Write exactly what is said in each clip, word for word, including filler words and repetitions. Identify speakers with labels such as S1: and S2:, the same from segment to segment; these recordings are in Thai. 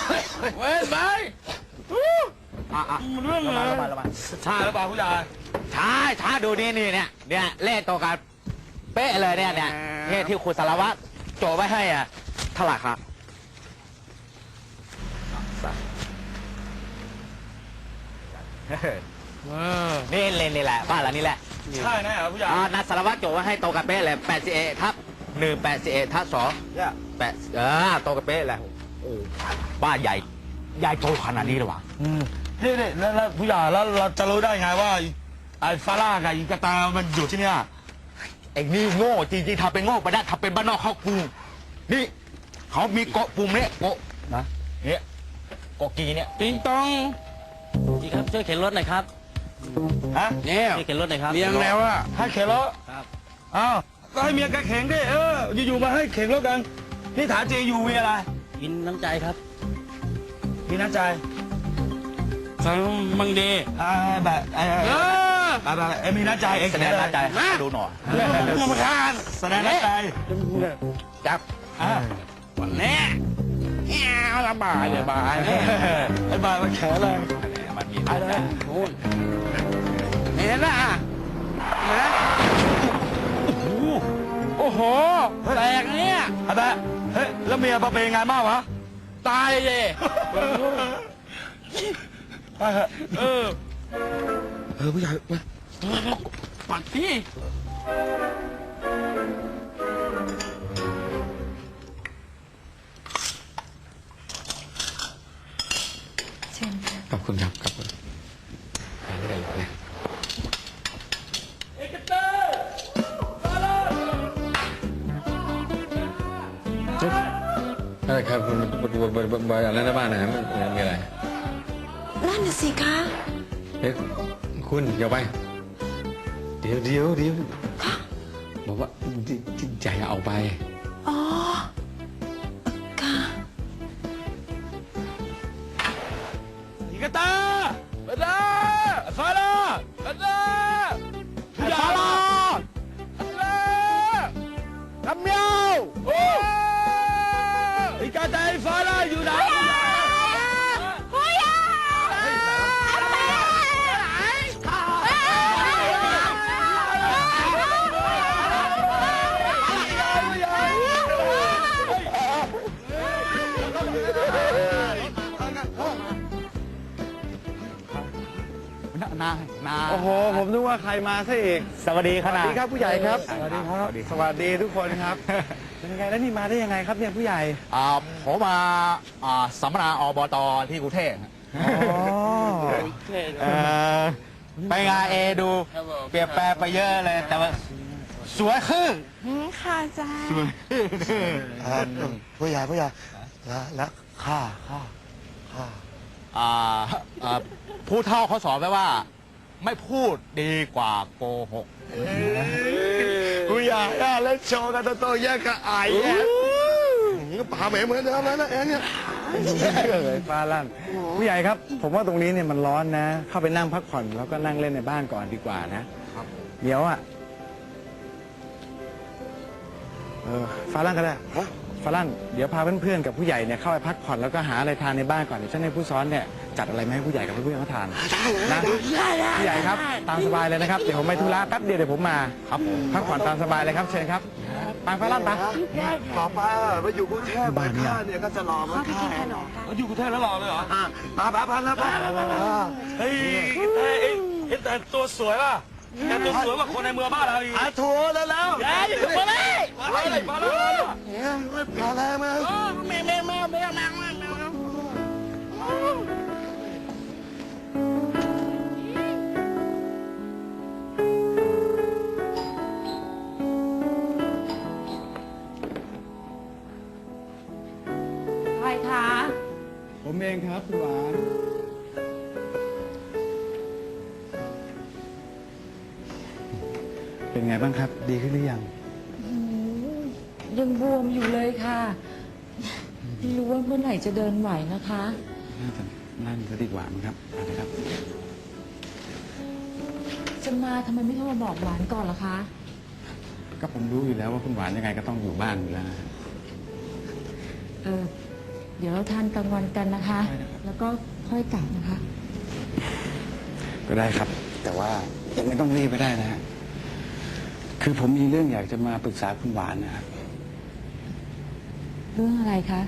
S1: เว้นไปเรื่องอะไรช้าหรือเปล่าผู้ใหญ่ช้าช้าดูนี่นี่เนี่ยเนี่ยเลขตัวกันเป๊ะเลยเนี่ยเนี่ยเนี่ยที่คุณสารวัตรโจไว้ให้อ่ะเท่าไหร่ครับนี่เลนนี่แหละบ้านหลังนี้แหละใช่แน่เหรอผู้ใหญ่นัดสารวัตรโจไว้ให้โตกับเป๊ะเลยแปดสิบเอ็ดทับหนึ่งแปดสิบเอ็ดทับสองแปดเออโตกับเป๊ะแหละโอ้บ้านใหญ่ใหญ่โตขนาดนี้เลยวะ
S2: นี่นี่แล้วผู้ใหญ่แล้วเราจะรู้ได้ไงว่าไอ้ฟาร่ากับอีกาตามันอยู่ที่เนี่ย
S1: ไอ้นี่โง่จริงๆทำเป็นโง่ไปได้ทำเป็นบ้านนอกเข้ากรุงนี่เขามีเกาะปุ่มเนี่ยเกาะนะเนี่ยเกาะกีเนี่ย
S3: ติงตองพี่ครับช่วยเข็นรถหน่อยครับ
S2: ฮะ
S3: เนี่ยช่วยเข็นรถหน่อยครับ
S2: เลี้ยงแล้วอะให้เข็นรถครับอ้าวก็ให้เมียแกเข็นดิเอออยู่ๆมาให้เข็นรถกันนี่ถามจริงอยู่มีอะไร
S3: กินน้ำใจครับ
S2: มีน้ำใจ
S3: สังมังเด
S2: อ่าแบบเออแบบเอ็มมีน้ำใจเอ็ง
S1: แสดงน้ำใจดูหน่อย
S2: มาทานแสดงน้ำใจ
S1: จับ
S2: อ่า
S1: วันนี้แง่ระบายเลยบาย
S2: ไอ้บายมันแข็งเลย
S1: มันมีอะไรนู่นเห็นละนะโอ้โหแตกเนี่ย
S2: ไอ้แบบเฮ้ยแล้วเมียมาเป็นไงบ้างวะ
S1: ตายเลย
S2: เออเออผู้ใหญ่มา
S1: ปัดพี่
S2: ขอบคุณครับขอบคุณไปเรื่อยๆนะเอกเตอร์มาเลยอะไรครับบนบนอะไรนะบ้านนะมันมีอะไร
S4: นั่นน่ะสิคะ
S2: เฮ้ยคุณเดี๋ยวไปเดี๋ยวเดี๋ยวเดี๋ยวบอกว่าที่ใจเอาไป
S4: อ๋อค่ะ
S1: อีกตาเบลาฟาลาเบลาฟาลาเบลาคำเมียวโอ้อีกตาฟาลาอยู่ไหนนานา
S2: โอ้โหผมนึกว่าใครมาซะอีก
S1: สวัสดีครับ
S2: สวัสดีครับผู้ใหญ่ครับสวัสดีครับสวัสดีทุกคนครับเป็นไงแล้วนี่มาได้ยังไงครับเนี่ยผู้ใหญ่
S1: อ่าผมมาอ่าสัมมนาอบตที่กรุงเทพ
S2: อ๋อ
S1: ไปงานเอดูเปลี่ยนแปลงไปเยอะเลยแต่ว่าสวยขึ้น
S4: ค่ะจ้า
S1: สวย
S2: ผู้ใหญ่ผู้ใหญ่แล้วข้าข้าข้า
S1: อ่าผู้เฒ่าเขาสอนไว้ว่าไม่พูดดีกว่าโกหก
S2: ผู้ใหญ่เล่นโชว์กันโตๆแยกกับไอ้เนี่ยป่าเหม็นเหมือนเดิมแล้วนะเอ็งเนี่ยเลยฟ้าลั่นผู้ใหญ่ครับผมว่าตรงนี้เนี่ยมันร้อนนะเข้าไปนั่งพักผ่อนแล้วก็นั่งเล่นในบ้านก่อนดีกว่านะเดี๋ยวอ่ะเออฟ้าลั่นก็ได้ฟ้าลั่นเดี๋ยวพาเพื่อนๆกับผู้ใหญ่เนี่ยเข้าไปพักผ่อนแล้วก็หาอะไรทานในบ้านก่อนเดี๋ยวฉันให้ผู้ซ้อนเนี่ยจัดอะไรมาให้ผู้ใหญ่กับเพื่อนๆเขาทานนะผู้ใหญ่ครับตามสบายเลยนะครับเดี๋ยวผมไปธุระแป๊บเดียวเดี๋ยวผมมาครับพักผ่อนตามสบายเลยครับเชิญครับไปฟ้าลั่นไปต่อไปไปอยู่กรุงเทพบ้านเนี่ยเนี่ยก็จะรอมาค่ะอยู่กรุงเทพแล้วรอเลยเหรอมาแป๊บพันแล้วป้าเฮ้ยเห็นแต่ตัวสวยป่ะแต่ตัวสวยกว่าคนในเมืองบ้านเราอีกอาทัวร์แล้วแล้วมาเลยมาเลยมาเลยมาเลยมาแล้วมาแม่แม่แม่แม่แม่แม่
S4: ใครคะ
S2: ผมเองครับคุณหวานเป็นไงบ้างครับดีขึ้นหรือยัง
S4: ยังบวมอยู่เลยค่ะไม่รู้ว่าเมื่อไหร่จะเดินไหวนะคะ
S2: น่าจะนั่งก็ดีกว่ามั้งครับอะไรครับ
S4: จะมาทำไมไม่โทรมาบอกหวานก่อนล่ะคะ
S2: ก็ผมรู้อยู่แล้วว่าคุณหวานยังไงก็ต้องอยู่บ้านอยู่แล้ว
S4: เออเดี๋ยวเราทานกลางวันกันนะคะ แล้วก็ค่อยกลับนะคะ
S2: ก็ได้ครับ แต่ว่ายังไม่ต้องรีบไปได้นะฮะคือผมมีเรื่องอยากจะมาปรึกษาคุณหวานนะครับ
S4: เรื่องอะไรคะ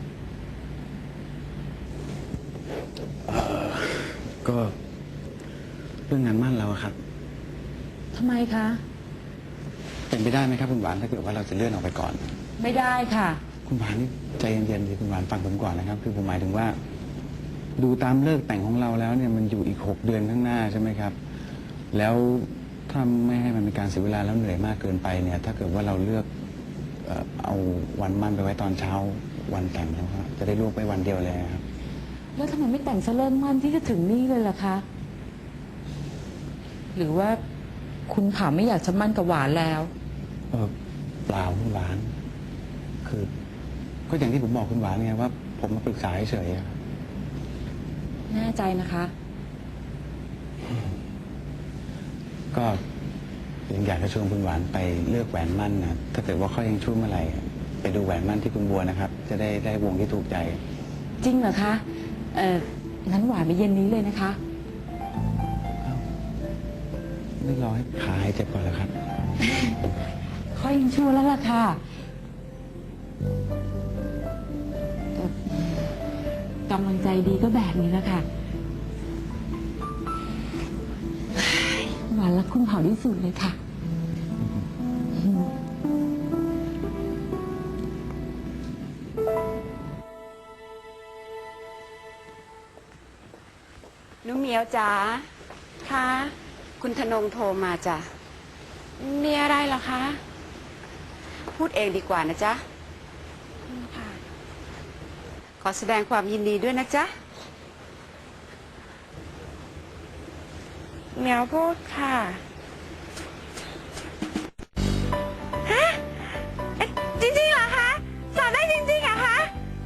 S2: ก็เรื่องงานมั่นเราอะครับ
S4: ทำไมคะ
S2: เป็นไปได้ไหมครับคุณหวานถ้าเกิดว่าเราจะเลื่อนออกไปก่อน
S4: ไม่ได้ค่ะ
S2: คุณหวานนี่ใจเย็นๆสิคุณหวานฟังผมก่อนนะครับ คือผมหมายถึงว่า ดูตามเลิกแต่งของเราแล้วเนี่ยมันอยู่อีกหกเดือนข้างหน้าใช่ไหมครับ แล้วถ้าไม่ให้มันเป็นการเสียเวลาแล้วเหนื่อยมากเกินไปเนี่ย ถ้าเกิดว่าเราเลือกเอ่อเอาวันมั่นไปไว้ตอนเช้าวันแต่งแล้วครับจะได้ล่วงไปวันเดียวเลยครับ
S4: แล้วทำไมไม่แต่งซะเริ่มมั่นที่จะถึงนี่เลยล่ะคะ หรือว่าคุณขาไม่อยากจะมั่นกับหวานแล้ว
S2: เออเปล่าคุณหวาน คือ ก็อย่างที่ผมบอกคุณหวานไงว่า ผมมาปรึกษาเฉยๆอะครับ
S4: แน่ใจนะคะ
S2: ก็ยังอยากจะชวนคุณหวานไปเลือกแหวนมั่นนะถ้าเกิดว่าเขายังช่วยเมื่อไหร่ไปดูแหวนมั่นที่คุณบัวนะครับ จะได้ได้วงที่ถูกใจ
S4: จริงเหรอคะ เอองั้นหวานไปเย็นนี้เลยนะคะ
S2: ไม่รอให้ขาหายเจ็บก่อนแล้วครับ
S4: ค่อยยังชั่วแล้วล่ะค่ะแต่กำลังใจดีก็แบบนี้แหละค่ะ หวานรักคุณเผาที่สุดเลยค่ะ
S5: หนูเหมียวจ๋าค่ะคุณธนงโทรมาจ้ะมีอะไรเหรอคะ พูดเองดีกว่านะจ๊ะค่ะขอแสดงความยินดีด้วยนะจ๊ะเหมียวพูดค่ะฮะเอ๊ะจริงๆเหรอคะสอนได้จริงๆเหรอคะ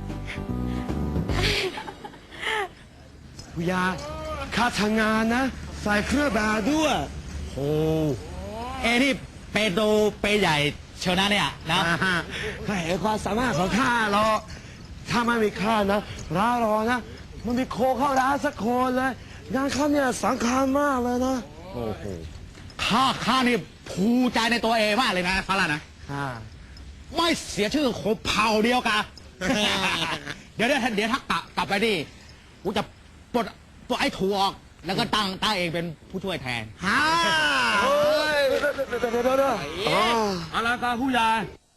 S1: ผู้ยาข้าทำงานนะ ใส่เครื่องแบบด้วย
S3: โอ้เอ้นี่เปโตเปใหญ่เชียวนะเนี่ยนะ
S1: ข้าเห็นความสามารถของข้าหรอกถ้าไม่มีข้านะร้านรอนะ มันมีโคเข้าร้านสักคนเลย งานข้าเนี่ยสำคัญมากเลยนะ
S3: โอ้โหข้าข้านี่ภูมิใจในตัวเองมากเลยนะฟาร่านะ
S1: อ่า
S3: ไม่เสียชื่อของเผ่าเดียวกัน เดี๋ยวเดี๋ยวเดี๋ยวถ้ากลับกลับไปนี่กูจะปลดปลดไอ้ถั่วออก แล้วก็ตั้งตั้งเองเป็นผู้ช่วยแทน
S1: ฮ่าเฮ้ยเดี๋ยวเดี๋ยวเดี๋ยวเดี๋ยวเดี๋ยวอ๋ออะไรกันผู้ใหญ่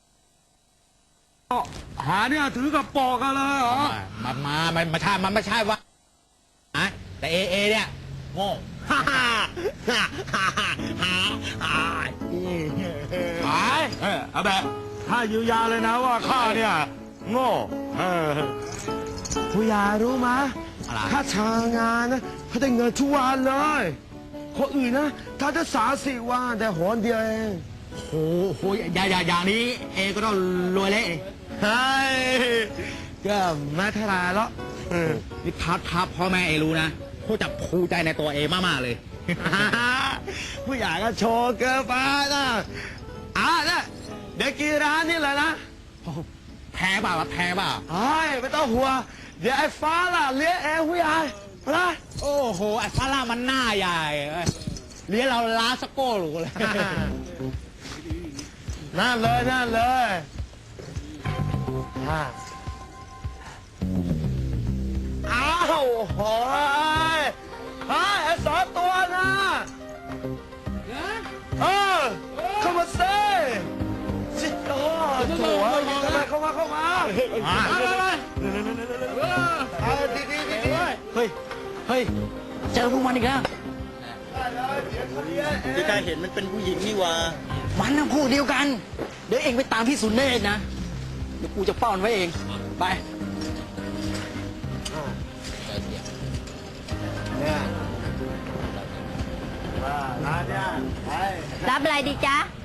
S1: หาเนี่ยถือกับปอกกันเลยเหรอ
S3: มามามันไม่ใช่มันไม่ใช่ว่าอะแต่เอเอเนี่ยโง่
S1: ฮ่าฮ่าฮ่าฮ่าฮ่าฮ่าฮ่าหายเออเอาแบบถ้ายืนยาวเลยนะว่าข้าเนี่ยโง่เออผู้ใหญ่รู้ไหม
S3: อะไร
S1: ข้าทำงานนะเขาได้เงินทุกวันเลยคนอื่นนะถ้าจะสามสี่วันแต่หนเดียวเอง
S3: โอ้โหอย่าอย่าอย่างนี้เอก็ต้องรวยเละ
S1: ใช่ก็ไม่เท่าไรหรอกเออ
S3: นี่พัดพับพ่อแม่เอรู้นะเขาจะภูมิใจในตัวเอมากๆเลย
S1: ผู้ใหญ่ก็โชว์เกินไปนะอ่ะเนี่ยเดี๋ยวกินร้านนี้เลยนะ
S3: แพ้เปล่าวะแพ้เปล่า
S1: เฮ้ยไม่ต้องห่วงเดี๋ยวไอ้ฟ้าล่ะเลี้ยงเองผู้ใหญ่นะ
S3: โอ้โหไอ้ฟาร่ามันหน้าใหญ่เอ้ยเลี้ยงเราล้าสกโก้หรูเลย
S1: นั่นเลยนั่นเลยอ่าอ้าวโหยเฮ้ยไอ้สองตัวนะเออเข้ามาเซ่จิตโอ้โถ่เข้ามาเข้ามาเข้ามาเข้ามาเอาดีดีดีดี
S3: เฮ้ย เฮ้ย เจอพวกมันอีกแล้ว
S6: ที่กายเห็นมันเป็นผู้หญิงนี่หว่า
S3: มันนะพวกเดียวกัน เดี๋ยวเองไปตามพี่สุนเนธนะ เดี๋ยวกูจะป้อนไว้เอง ไป
S1: เนี่ยร้านเนี่ยไป
S7: รับอะไรดีจ๊ะ